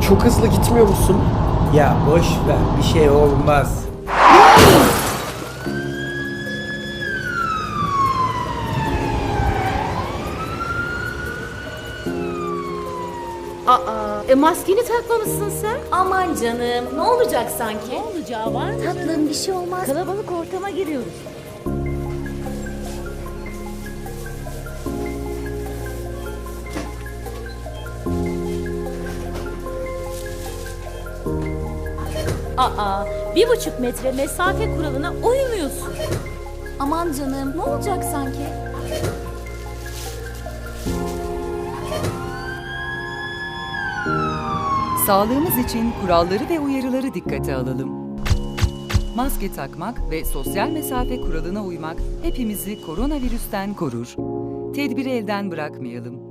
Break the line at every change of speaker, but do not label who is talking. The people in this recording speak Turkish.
çok hızlı gitmiyor musun?
Ya boş ver, bir şey olmaz.
Maskeni takmamışsın sen.
Aman canım, ne olacak sanki?
Ne olacağı var mı?
Tatlım, bir şey olmaz.
Kalabalık ortama giriyoruz. Aa, 1,5 metre mesafe kuralına uymuyorsun.
Aman canım, ne olacak sanki?
Sağlığımız için kuralları ve uyarıları dikkate alalım. Maske takmak ve sosyal mesafe kuralına uymak hepimizi koronavirüsten korur. Tedbiri elden bırakmayalım.